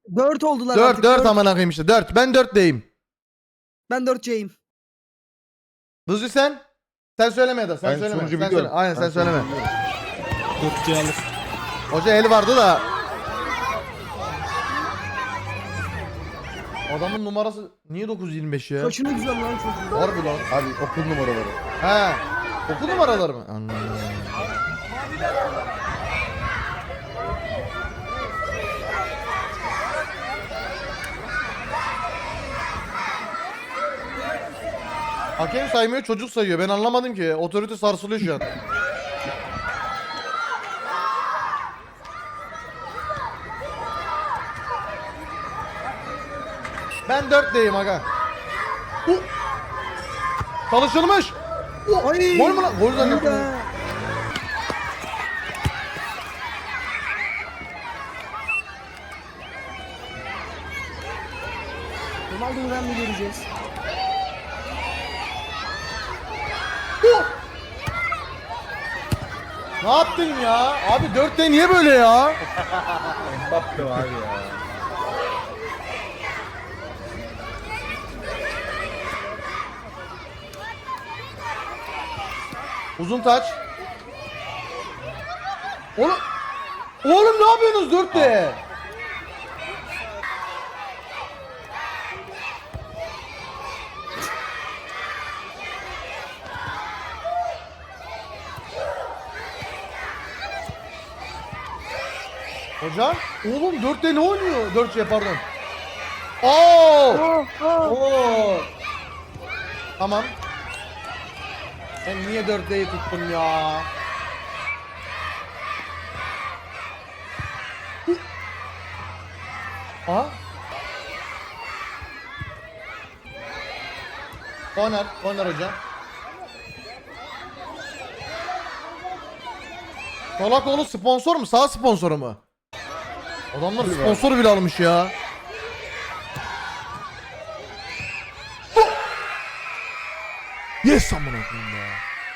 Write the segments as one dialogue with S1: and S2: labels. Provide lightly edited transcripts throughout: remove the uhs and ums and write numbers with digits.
S1: 4 oldular
S2: 4
S1: artık.
S2: 4 amına koyayım işte 4. Ben 4'deyim.
S1: Ben 4C'yim.
S2: Buzcu sen? Sen söyleme ya da sen
S3: Ben
S2: söyleme.
S3: sonucu
S2: Sen
S3: biliyorum.
S2: söyle. Aynen sen
S3: Ben
S2: söyleme.
S3: sonucu biliyorum.
S4: 4C alır.
S2: Hoca eli vardı da. Adamın numarası niye 925 ya?
S1: Saçını güzel lan çocuğum.
S2: Harbi lan.
S3: Abi okul numaraları.
S2: He. Okul numaraları mı? Anladım. Hakem saymıyor, çocuk sayıyor. Ben anlamadım ki. Otorite sarsılıyor şu an. Ben 4'teyim aga. Çalışılmış.
S1: Ay.
S2: Gol mü lan? Gol
S1: iyi
S2: zannettim.
S1: be. Ronaldo'dan mı göreceğiz?
S2: Ne yaptın ya? Abi 4'te niye böyle ya?
S3: Mbappe abi ya.
S2: Uzun taç. Oğlum. Oğlum ne yapıyorsunuz 4'te? Hocam, oğlum 4'te ne oynuyor? 4 pardon. Oo! Oo! Tamam. Ben niye 4'teyi tuttum ya? Aha. Corner hocam. Solakoğlu sponsor mu? Sağ sponsoru mu? Adamlar sponsoru bile almış ya. Yes amına koyayım ya.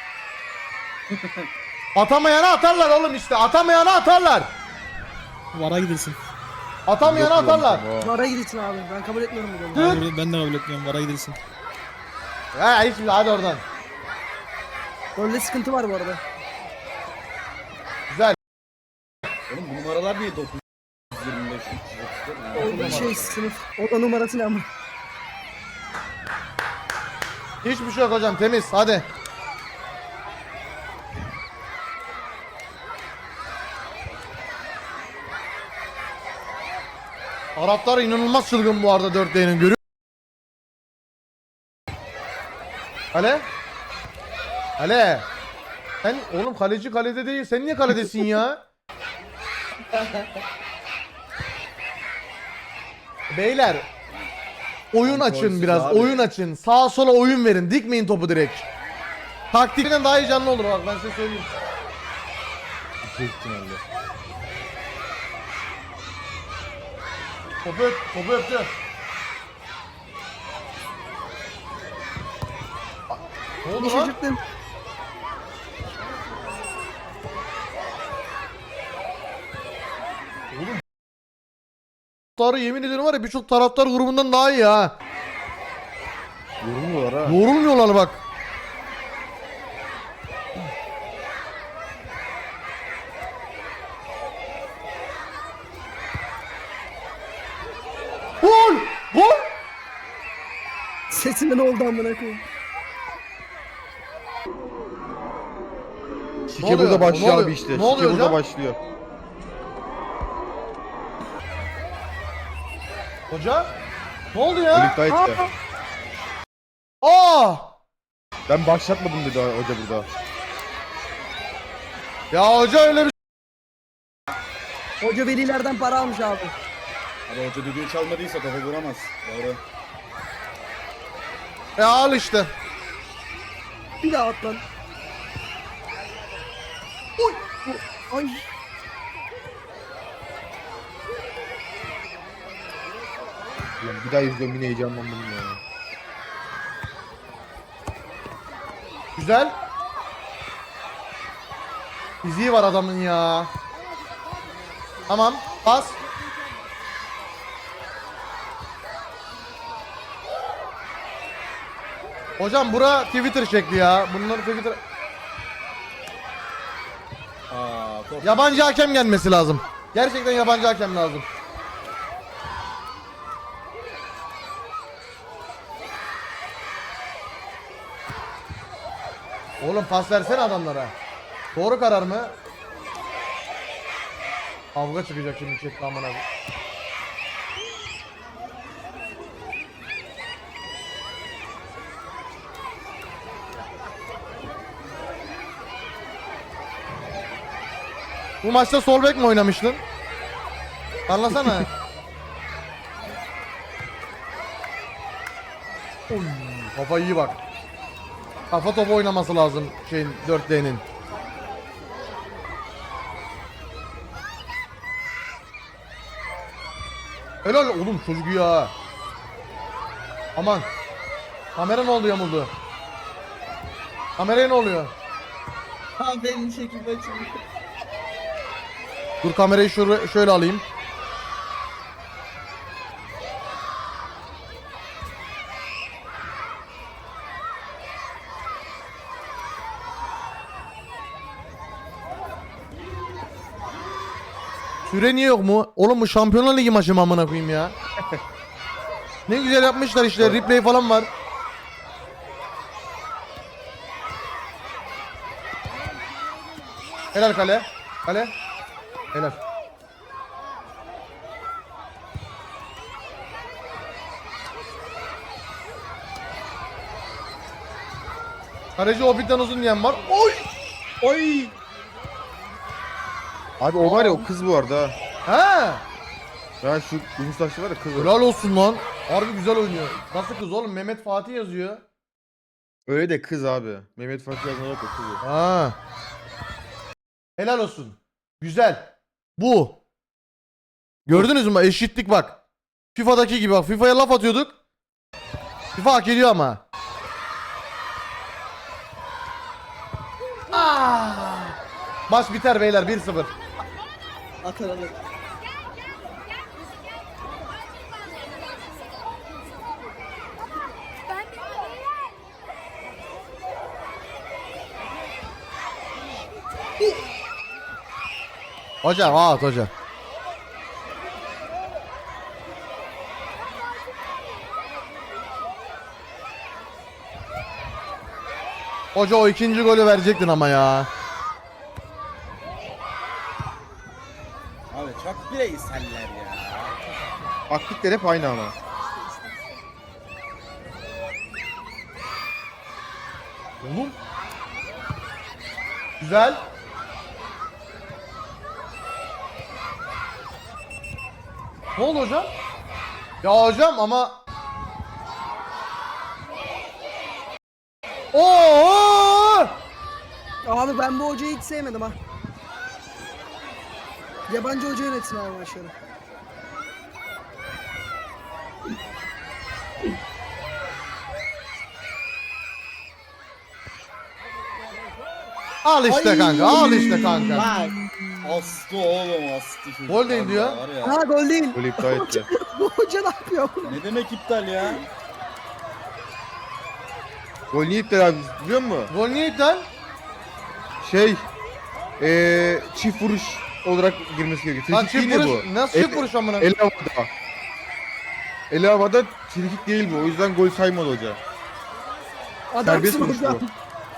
S2: Atamayana atarlar oğlum işte. Atamayana atarlar.
S4: Vara gidilsin.
S2: Atamayana atarlar.
S1: Vara gidilsin abi. Ben kabul etmiyorum bu golü.
S4: Ben de kabul etmiyorum. Vara gidilsin.
S2: Ha hiç hadi oradan.
S1: Golde sıkıntı var bu arada.
S2: Güzel.
S3: Oğlum bu numaralar niye 925 334?
S1: O da şey sınıf. O da numarası ne ama.
S2: Hiçbir şey yok hocam temiz hadi. Araplar inanılmaz çılgın bu arada 4D'nin görüyor. Ale? Ale? Sen oğlum kaleci kalede değil. Sen niye kaledesin ya? Beyler oyun açın biraz.
S3: abi.
S2: Oyun açın. Sağa sola oyun verin. Dikmeyin topu direkt. Taktikten daha heyecanlı olur bak ben size söyleyeyim.
S3: Büyük ihtimalle.
S2: Topu öp, topu öptü. Ne oldu
S1: Bir
S2: lan?
S1: şaşırttım.
S2: Taraftarı yemin ederim var ya birçok taraftar grubundan daha iyi ha.
S3: Yorulmuyorlar ha.
S2: Yorulmuyorlar bak. Gol! Gol!
S1: Sesinde ne oldu amına koyayım?
S3: Şike
S2: oluyor?
S3: burada
S2: Ne
S3: başlıyor
S2: oluyor?
S3: abi işte.
S2: Ne
S3: Şike
S2: oluyor
S3: burada
S2: hocam?
S3: başlıyor.
S2: Hoca? Ne oldu ya?
S3: Birlikte ayıttı.
S2: Aa!
S3: Ben başlatmadım dedi hoca burada.
S2: Ya hoca öyle bir
S1: Hoca velilerden para almış abi.
S5: Ama hoca düdüğü çalmadıysa topa vuramaz. Doğru.
S2: Ya al işte.
S1: Bir daha at lan. Oy. Ay.
S3: Ulan bir daha izliyorum yine heyecanlandım ya.
S2: Güzel. Fiziği var adamın ya. Tamam. Pas. Hocam bura Twitter şekli ya. Bunları Twitter...
S5: Top.
S2: Yabancı hakem gelmesi lazım. Gerçekten yabancı hakem lazım. Oğlum pas versene adamlara. Doğru karar mı? Kavga çıkacak şimdi chatte aman abi. Bu maçta sol bek mi oynamıştın? Anlasana. Oy, kafa iyi bak. Kafa topu oynaması lazım şeyin 4D'nin. Helal oğlum çocuk iyi ha. Aman. Kamera ne oldu yamuldu? Kameraya ne oluyor?
S1: Aferin çekim açıldı.
S2: Dur kamerayı şöyle alayım. Süre niye yok mu? Oğlum bu Şampiyonlar Ligi maçı mı amına koyayım ya? Ne güzel yapmışlar işte, replay falan var. Helal kale. Kale. Helal. Kaleci Hobbit'ten uzun diyen var. Oy!
S3: Oy! Abi o var ya, o kız bu arada.
S2: Ha!
S3: Ya şu uzun saçlı var ya, kız o.
S2: Helal olsun lan. Harbi güzel oynuyor. Nasıl kız oğlum? Mehmet Fatih yazıyor.
S3: Öyle de kız abi. Mehmet Fatih yazan yok, o kız o.
S2: Ha. Helal olsun. Güzel. Bu. Gördünüz mü? Eşitlik bak. FIFA'daki gibi bak. FIFA'ya laf atıyorduk. FIFA hak ediyor ama. Maç biter beyler 1-0.
S1: Atar alır.
S2: Hocam at hocam. Hoca o ikinci golü verecektin ama ya.
S5: Abi çok bireyseller ya.
S3: Taktikler hep aynı ama.
S2: Oğlum. Güzel. Ne oldu hocam? Ya hocam ama... Oo!
S1: Abi ben bu hocayı hiç sevmedim ha. Yabancı hoca yönetsin abi maçları.
S2: Al işte kanka, al işte kanka.
S1: Bak.
S5: Astı oğlum astı çocuk.
S2: Gol değil diyor.
S5: Var ya.
S1: Ha gol değil.
S3: Böyle iptal etti.
S1: Bu hoca ne yapıyor?
S5: Ne demek iptal ya?
S3: Gol niye iptal abi, biliyor musun?
S2: Gol niye iptal?
S3: Şey, çift vuruş olarak girmesi gerekiyor.
S2: Lan
S3: Frikik
S2: çift
S3: değil ya
S2: vuruş,
S3: bu.
S2: nasıl çift vuruş amına?
S3: El havada. El havada frikik değil bu. O yüzden gol saymadı hoca. Serbest
S1: Adamsın
S3: vuruş
S1: hocam.
S3: bu.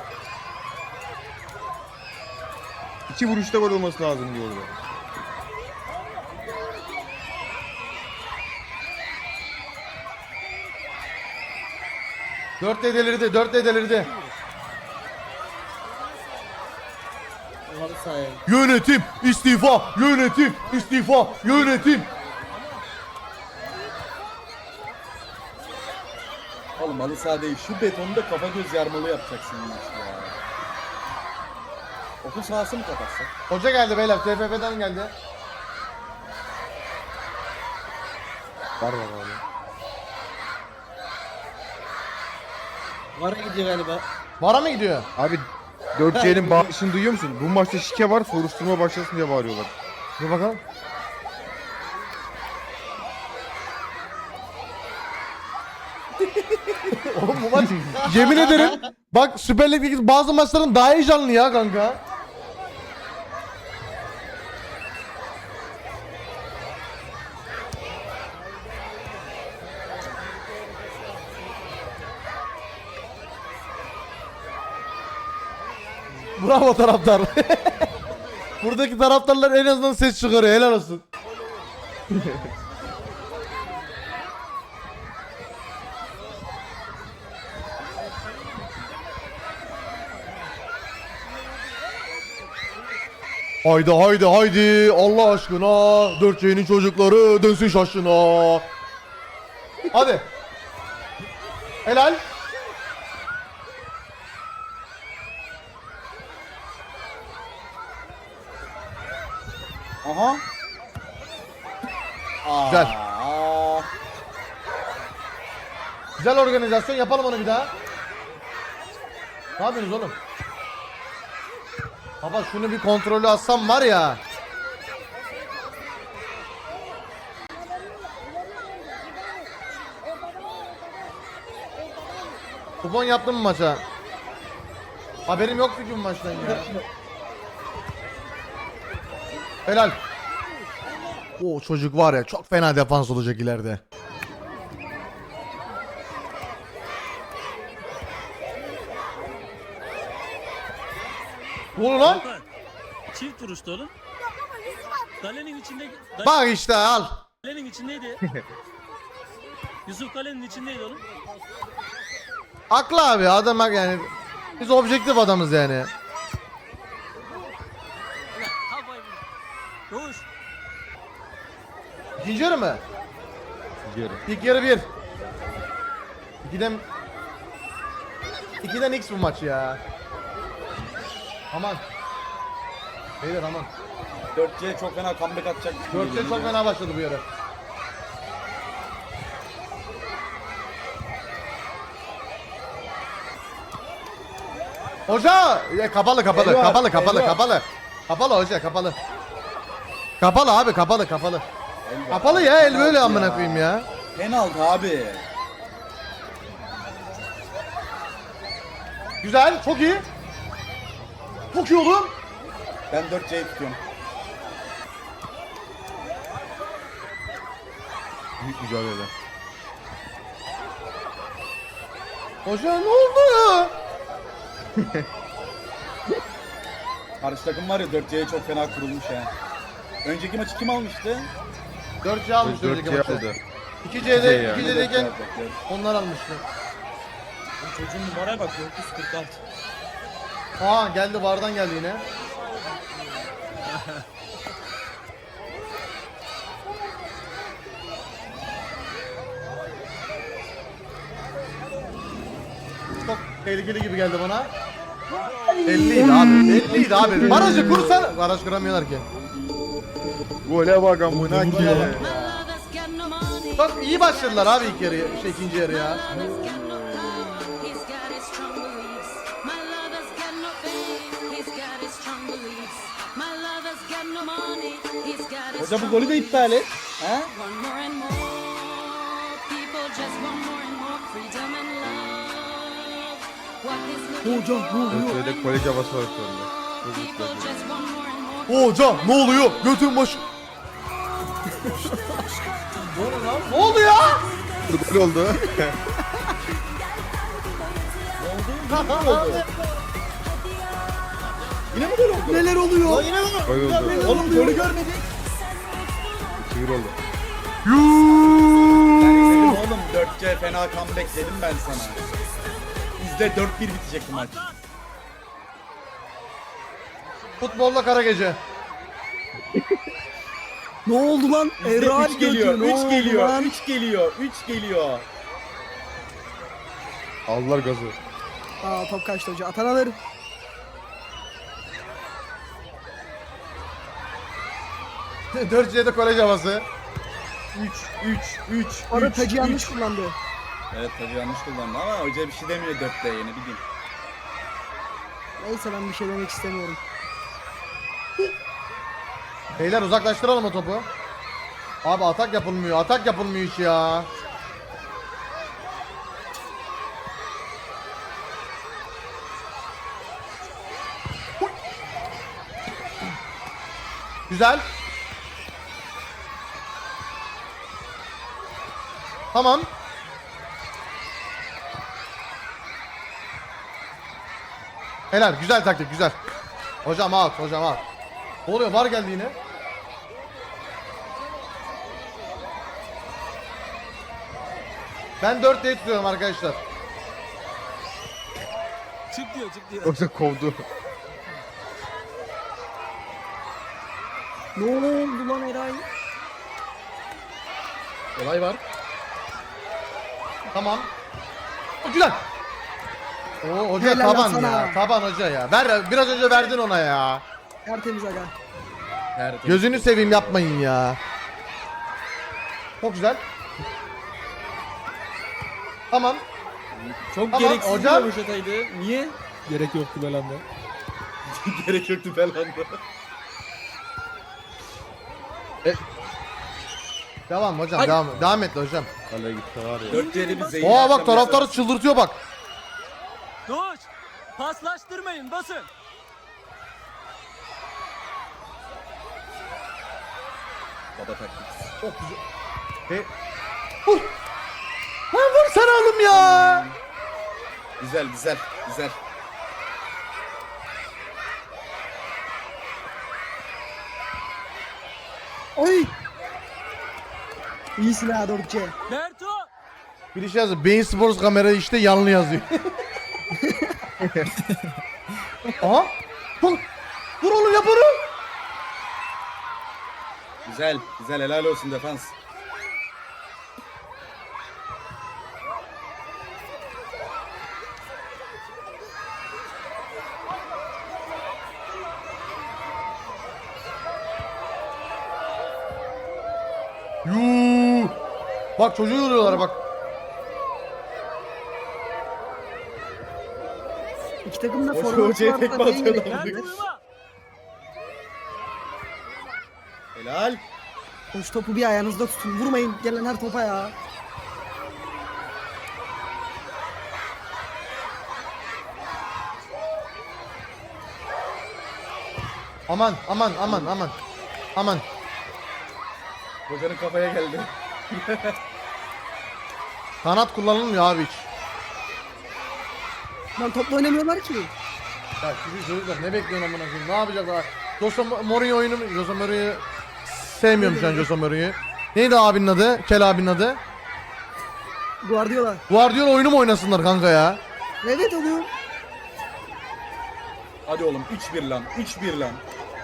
S3: İki vuruşta gol olması lazım diyor orada.
S2: Dört de delirdi, 4 de delirdi. Yönetim istifa, yönetim istifa, yönetim.
S5: Oğlum halı saha değil. Şu betonda kafa göz yarmalı yapacaksın maç ya. Okul sahası mı kapatsak?
S2: Hoca geldi beyler, TFF'den geldi.
S3: Var abi.
S1: Vara gidiyor galiba.
S2: Vara mı gidiyor?
S3: Abi 4C'nin bağışını duyuyor musun? Bu maçta şike var, soruşturma başlasın diye bağırıyorlar.
S2: Dur bakalım. Oğlum bu maç yemin ederim bak Süper Lig'deki bazı maçların daha heyecanlı ya kanka. Bravo taraftar. Buradaki taraftarlar en azından ses çıkarıyor. Helal olsun. Haydi haydi haydi Allah aşkına 4C'nin çocukları dönsün şaşına. Hadi. Helal.
S5: Aha.
S2: Güzel.
S5: Aa.
S2: Güzel organizasyon, yapalım onu bir daha. Ne yapıyorsunuz oğlum? Baba şunu bir kontrolü alsam var ya. Kupon yaptın mı maça? Haberim yoktu ki bu maçtan ya. Helal. O çocuk var ya, çok fena defans olacak ileride. Ne oluyor lan?
S6: Çift vuruştu oğlum. Kalenin içinde...
S2: Bak işte al.
S6: Kalenin içindeydi. Yusuf kalenin içindeydi oğlum.
S2: Haklı abi, adam bak yani. Biz objektif adamız yani.
S6: Havayı vur. Koş.
S2: İkinci yarı mı?
S3: Geri.
S2: İlk yarı 1. İkiden X bu maç ya. Aman. Beyler aman.
S5: 4C çok fena comeback atacak.
S2: 4'te çok fena başladı bu yarı. Hoca! Ya kapalı
S5: Eyvah,
S2: kapalı
S5: eyvah.
S2: Kapalı hoca kapalı. Kapalı abi kapalı.
S5: Eyvah.
S2: Kapalı ya, el böyle
S5: Penaltı
S2: amına
S5: ya.
S2: koyayım ya.
S5: Penaltı abi.
S2: Güzel, çok iyi. Çok iyi oğlum.
S5: Ben 4C'yi tutuyorum.
S3: Büyük mücadele.
S2: Hoca ne oldu?
S5: Karşı takım var ya 4C'ye çok fena kurulmuş ya. Önceki maçı kim almıştı?
S2: 4C almıştı önceki
S3: 4C
S2: maçı.
S3: aldı.
S2: 2C'de,
S3: yani.
S2: 2C'deyken onlar almıştı.
S6: Çocuğun numaraya bak 446.
S2: Aa geldi, vardan geldi yine. Çok tehlikeli gibi geldi bana. 50'ydi abi. 50'ydi abi. Barajı kursan. Baraj kuramıyorlar ki.
S3: Gole bak amına ki.
S2: Çok iyi başladılar abi ilk yarı, ikinci yarı ya.
S5: Hoca bu golü de iptal et. He?
S1: Hocam ne oluyor?
S3: Öyle kolej havası var şu anda. Çok güzel.
S2: Hocam ne oluyor? Götün başı. Ne oluyor lan? Ne oldu ya?
S3: Gol oldu.
S5: Yine mi gol oldu?
S1: Neler oluyor?
S3: Gol oldu.
S5: Oğlum golü görmedik.
S3: 2-1 oldu.
S5: Dedim oğlum 4C fena comeback dedim ben sana. İzle 4-1 bitecek bu maç.
S2: Futbolla kara gece.
S1: Ne oldu lan?
S5: İzle
S1: Erol
S5: 3 geliyor,
S1: götü, ne
S5: 3
S1: oldu
S5: geliyor,
S1: lan?
S5: 3 geliyor, 3 geliyor.
S3: Aldılar gazı.
S1: Aa top kaçtı hoca. Atan alır.
S2: Dört C'de kolej havası.
S5: 3.
S1: Orada tacı yanlış kullandı.
S5: Evet tacı yanlış kullandı ama hoca bir şey demiyor 4'te yine bileyim.
S1: Neyse ben bir şey demek istemiyorum.
S2: Beyler uzaklaştıralım o topu. Abi atak yapılmıyor hiç ya. Güzel. Tamam. Helal, güzel taktik, güzel. Hocam out, hocam out. Ne oluyor? Var geldi yine. Ben 4 diye tutuyorum arkadaşlar.
S6: Çık diyor çık diyor.
S3: Yoksa kovdu.
S1: Ne oldu lan Eray?
S5: Olay var.
S2: Tamam. Güzel. Oo hoca
S1: Helal
S2: taban
S1: sana.
S2: ya. Taban hoca ya. Ver, biraz önce verdin ona ya.
S1: Tertemiz aga.
S5: Nerede?
S2: Gözünü seveyim yapmayın ya. Çok güzel. Tamam.
S5: Çok
S2: Tamam,
S5: gereksiz
S2: hocam.
S5: bir röveşataydı. Niye?
S4: Gerek yoktu Belanda.
S5: Gerek yoktu falan da.
S2: Devam hocam,
S5: Hadi.
S2: devam et hocam.
S3: Kaleye gitti var ya.
S5: 4C'de bir zehir.
S2: Oo bak taraftarı çıldırtıyor bak.
S6: Doğuş. Paslaştırmayın basın.
S5: Baba taktik.
S2: Çok güzel. Vur. Lan vur sen oğlum ya.
S5: Güzel güzel güzel.
S1: Oy! İyisin ha 4C.
S6: Berto.
S2: Bir şey yazıyor. Beyin Sports kamera işte yanlı yazıyor. Aha. Vur. Vur oğlum yap onu.
S5: Güzel güzel helal olsun defans.
S2: Yuuu. Bak çocuğu yoruyorlar bak.
S1: İki takım da
S5: Hoca
S1: forvet
S5: hocaya
S1: varsa
S5: tekme
S1: neyin
S5: atıyor
S1: gerekiyor?
S5: lan.
S6: Berto uyuma.
S5: Helal.
S1: Hoş topu bir ayağınızda tutun. Vurmayın gelen her topa ya.
S2: Aman aman aman aman. Aman.
S5: Hocanın kafaya geldi.
S2: Kanat kullanılmıyor abi hiç.
S1: Lan topla oynamıyorlar ki.
S2: Ya şu çocuklar ne bekliyorsun amına koyayım? Ne yapacaklar? Jose Mourinho oyunu mu? Jose Mourinho'yu sevmiyorum şu an Jose Mourinho'yu. Neydi abinin adı? Kel abinin adı?
S1: Guardiola.
S2: Guardiola oyunu mu oynasınlar kanka ya?
S1: Evet oluyor.
S5: Hadi oğlum 3-1 lan 3-1 lan.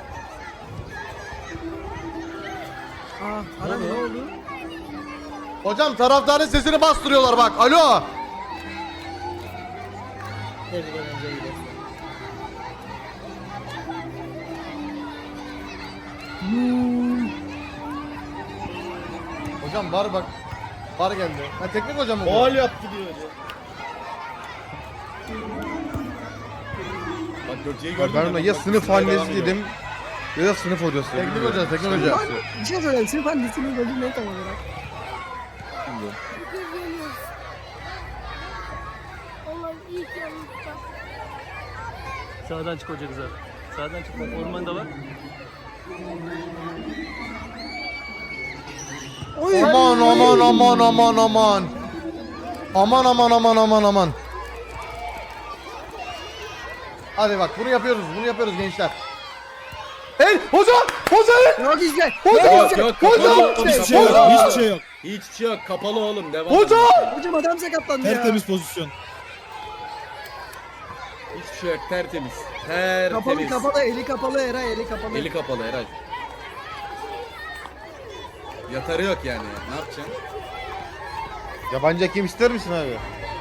S1: Aa, Aran ne oldu?
S2: Hocam taraftarın sesini bastırıyorlar bak. Alo. Hocam var bak. Var geldi. Ha teknik hocam mı bu?
S5: Gol yaptı diyor hoca. Bak 4C'yi gördün
S3: Ben
S5: mü?
S3: ona ya
S5: Bak,
S3: sınıf
S5: bismillah devam
S3: annesi
S5: ediyor.
S3: dedim ya da sınıf hocası.
S2: Teknik hoca, teknik hoca.
S1: Lan bir şey söyleyeyim. Sırf annesinin golü ne tam olarak?
S7: Allah'ım iyi ki yanımızda.
S6: Sağdan çık hoca güzel. Sağdan çık bak orman da var.
S1: Oy!
S2: Aman aman aman aman aman. Aman aman aman aman aman. Hadi bak bunu yapıyoruz gençler. Hey hoca! Hoca!
S1: Yok izle.
S2: Hoca!
S5: Yok yok kapalı
S2: Hoca!
S5: oğlum,
S4: Hiçbir şey yok.
S5: kapalı.
S4: Hiçbir şey yok.
S5: Hiçbir şey yok kapalı oğlum devam.
S2: Hoca!
S1: Hocam adam sakatlandı ya.
S4: Tertemiz pozisyon.
S5: Hiçbir şey yok tertemiz.
S1: Kapalı
S5: Tertemiz.
S1: kapalı eli kapalı Eray eli kapalı.
S5: Eli kapalı Eray. Yatarı yok yani. Ne yapacaksın?
S3: Yabancı hakem ister misin abi?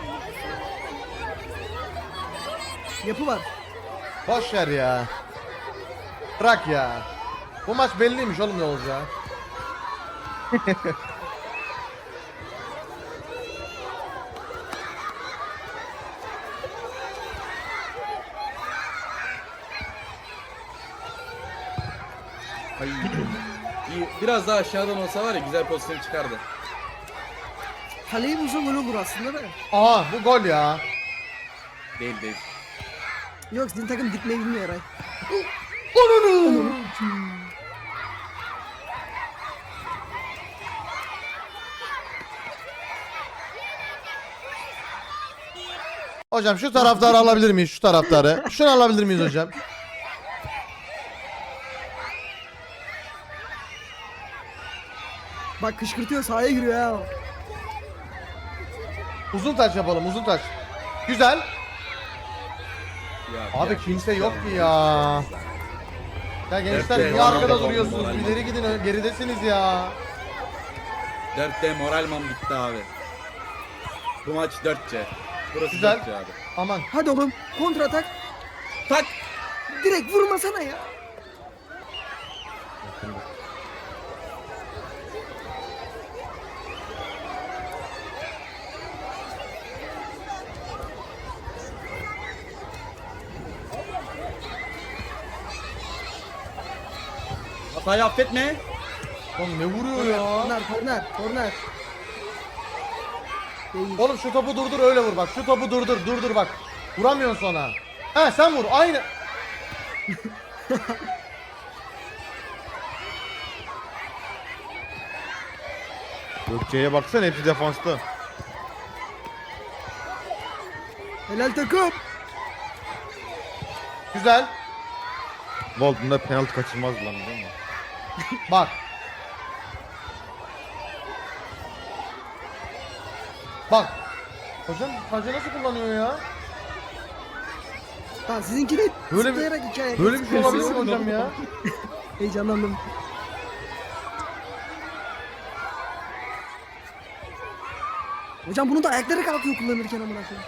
S1: Yapı var.
S2: Boş ver ya. Bırak ya. Bu maç belliymiş oğlum ne olacağı.
S5: Ay. Biraz daha aşağıdan olsa var ya güzel pozisyon çıkardı.
S1: Kaleyi bulsa gol olur aslında da.
S2: Aha bu gol ya.
S5: Değil değil.
S1: Yok sizin takım dikmeyi bilmiyor Eray.
S2: Onunu. Hocam şu taraftarı alabilir miyiz? Şu taraftarı. Şunu alabilir miyiz hocam?
S1: Bak kışkırtıyor sahaya giriyor ya.
S2: Uzun taç yapalım, uzun taç. Güzel.
S5: Ya,
S2: Abi
S5: ya,
S2: kimse
S5: ya,
S2: yok ki ya. Ya gençler
S5: Evet,
S2: niye
S5: evet.
S2: arkada
S5: Moral
S2: duruyorsunuz?
S5: moral.
S2: İleri gidin, geridesiniz ya.
S5: 4D moralman bitti abi. Bu maç 4C. Burası
S2: Güzel.
S5: 4C abi.
S2: Aman.
S1: Hadi oğlum kontra atak.
S5: Tak.
S1: Direkt vurmasana ya.
S5: Hatayı affetme.
S2: Oğlum ne vuruyor ya?
S1: Korner.
S2: Oğlum şu topu durdur öyle vur bak. Şu topu durdur bak. Vuramıyorsun sonra. He sen vur aynı.
S3: Gökçe'ye baksana hepsi defansta.
S1: Helal takım.
S2: Güzel.
S3: Lol bunda penaltı kaçırmaz lan değil mi?
S2: Bak. Bak. Hocam tacı nasıl kullanıyor ya?
S1: Lan sizinki de
S2: Böyle bir-
S1: zıplayarak hikaye.
S2: Böyle bir şey olabilir mi hocam ya?
S1: Heyecanlandım. Hocam bunu da ayakları kalkıyor kullanırken amına koyayım.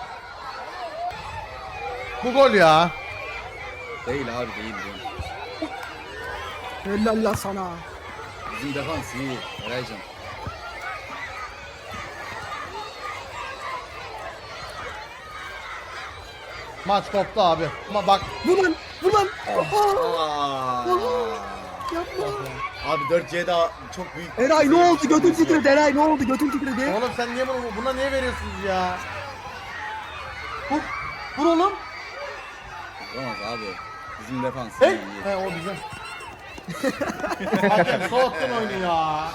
S2: Bu gol ya.
S5: Değil abi değil.
S1: Helal la sana.
S5: Bizim defans iyi. Eraycan.
S2: Maç koptu abi. Ama bak.
S1: Vur lan.
S5: Aa.
S1: Yapma.
S5: Abi 4C'de çok büyük.
S1: Eray ne oldu? Götün
S5: Sıkıntı yok.
S1: titredi Eray ne oldu? Götün titredi.
S2: Oğlum sen niye buna niye veriyorsunuz ya? Vur. Vur oğlum.
S5: Olamaz abi. Bizim defans
S2: Hey.
S5: iyi.
S2: He o bizim. Hakem soğuttun oyunu ya.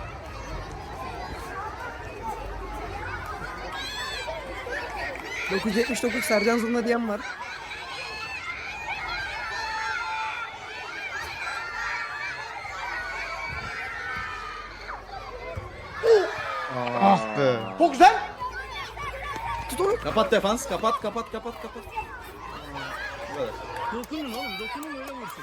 S1: ...979 Sercan Zurna diyen var.
S3: Ah be.
S2: Çok güzel.
S1: Tut onu.
S5: Kapat defans. Kapat. Bu kadar.
S6: Dokunun oğlum dokunun öyle vursun.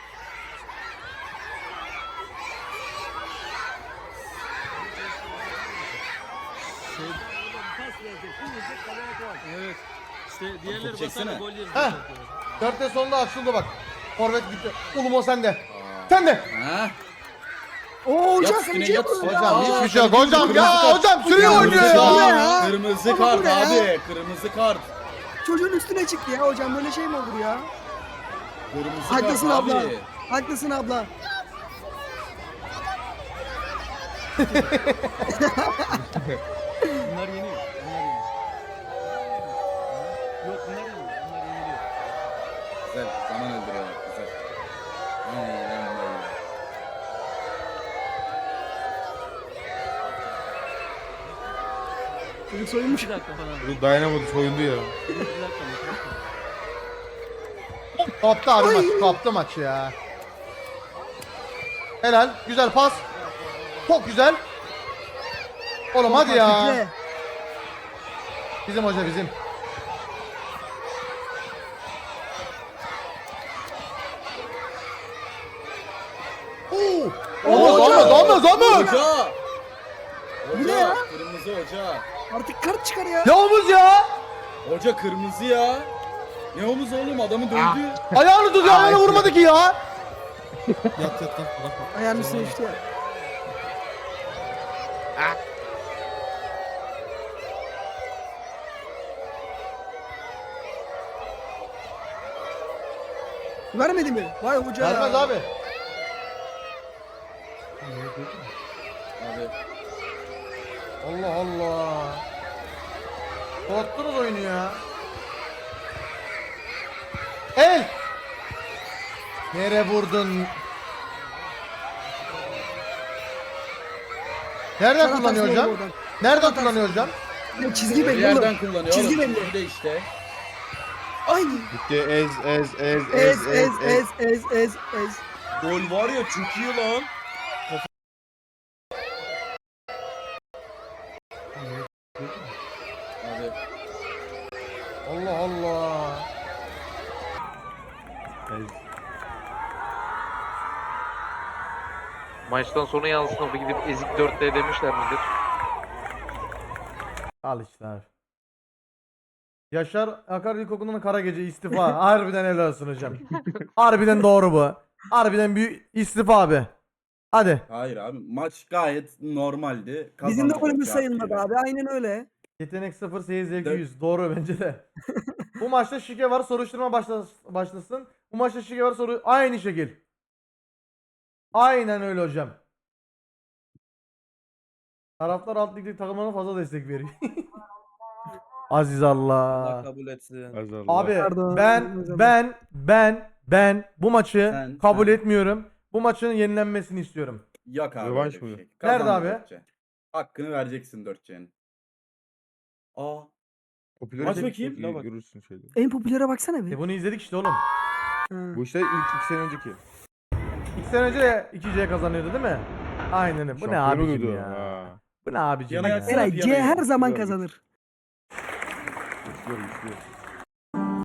S6: Evet. İşte diğerleri
S5: Top çeksene.
S6: basar gol yeriz.
S2: Heh. 4'te sonunda açıldı bak. Forvet gitti. Ulum o sende. Sen de.
S5: Ha?
S1: Oo hocam
S5: Yat
S1: sen
S5: üstüne,
S1: bir şey
S5: yat
S1: yapıyorsun.
S5: üstüne.
S1: ya.
S2: Hocam hiçbir şey yok.
S5: Kırmızı
S2: Hocam
S5: kart.
S2: ya hocam sürüyor oynuyor ya.
S5: Kırmızı
S1: Ama
S5: kart
S1: bu ne ya?
S5: abi. Kırmızı kart.
S1: Çocuğun üstüne çıktı ya hocam böyle şey mi olur ya?
S5: Kırmızı
S1: Haklısın
S5: kart
S1: abla.
S5: abi.
S1: Haklısın abla.
S6: Bunlar yeniyor. Yok bunlar yeniyor. Bunlar yeniliyor.
S5: Güzel. Zaman öldürüyorlar. Güzel. Aynen böyle.
S1: Çocuk soyunmuş.
S6: 2 dakika falan.
S3: Bu dayanamadı soyundu ya.
S6: 2 dakika mı?
S2: Koptu abi maç. Koptu maç ya. Helal. Güzel pas. Çok güzel. Oğlum hadi ya.
S1: Fikre.
S2: Bizim hoca bizim. Oo! Olmaz.
S5: Hoca.
S1: Bu ne ya?
S5: Kırmızı hoca.
S1: Artık kart çıkar ya.
S2: Ne omuz ya?
S5: Hoca kırmızı ya. Ne omuz oğlum adamı dövdü.
S2: Ayağını tutuyor ayağını vurmadı ki ya.
S4: Yat lan. Bırakma.
S1: Ayağının üstüne düştü ya. Vermedi mi? Vay hoca ya.
S2: Vermez abi.
S5: Abi.
S2: Allah Allah. Korktunuz oyunu ya. El. Nereye vurdun? Nereden
S1: Sana
S2: kullanıyor
S1: atarsın
S2: hocam?
S1: oradan.
S2: Nereden
S1: Sana
S2: kullanıyor hocam?
S1: Ya çizgi
S5: Bir
S1: belli
S5: yerden
S1: oğlum.
S5: kullanıyor
S1: Çizgi
S5: oğlum.
S1: belli.
S5: Çizgi de işte.
S1: Ay.
S3: Bitti ez.
S1: Ez.
S4: Gol var ya çok iyi lan.
S5: Abi.
S2: Allah Allah.
S8: Maçtan sonra yansına gidip ezik 4D demişler midir?
S2: Al işte abi. Yaşar Akar İlkokulu'nun kara gece istifa. Harbiden helal olsun hocam. Harbiden doğru bu. Harbiden büyük istifa abi. Hadi.
S5: Hayır abi maç gayet normaldi.
S1: Bizim de
S5: Kazandık
S1: golümüz
S5: cevap
S1: sayılmadı
S5: veriyorum.
S1: abi. Aynen öyle.
S2: Yetenek 0, seyir zevki
S5: Dört.
S2: 100. Doğru bence de. Bu maçta şike var, soruşturma başlasın. Bu maçta şike var, aynı şekil. Aynen öyle hocam. Taraftar alt ligdeki takımlarına fazla destek veriyor. Aziz
S4: Allah
S2: Allah.
S4: kabul etsin.
S2: Abi
S1: Pardon,
S2: ben bu maçı
S5: Sen-
S2: kabul
S5: sen.
S2: etmiyorum. Bu maçın yenilenmesini istiyorum.
S5: Yok abi.
S3: Rövanş
S5: öyle bir
S3: mı?
S5: şey.
S2: Nerede
S5: Kazandı
S2: abi?
S5: 4C. Hakkını vereceksin 4C'nin. Aa.
S3: Popülarite
S5: Aç bakayım.
S3: çok iyi, görürsün şeyde.
S1: En popülere baksana bir.
S2: Bunu izledik işte oğlum.
S1: Ha.
S3: Bu işte ilk 2 sene önceki.
S2: 2 sene önce de 2C kazanıyordu değil mi? Aynen öyle. Bu ne
S3: Şampiyon
S2: abicim
S3: oluyordu.
S2: ya?
S3: Ha.
S2: Bu ne abicim
S5: Yana
S2: ya?
S5: yatsana.
S1: Eray C her zaman
S3: Güzel.
S1: kazanır.
S3: Güçlüyor.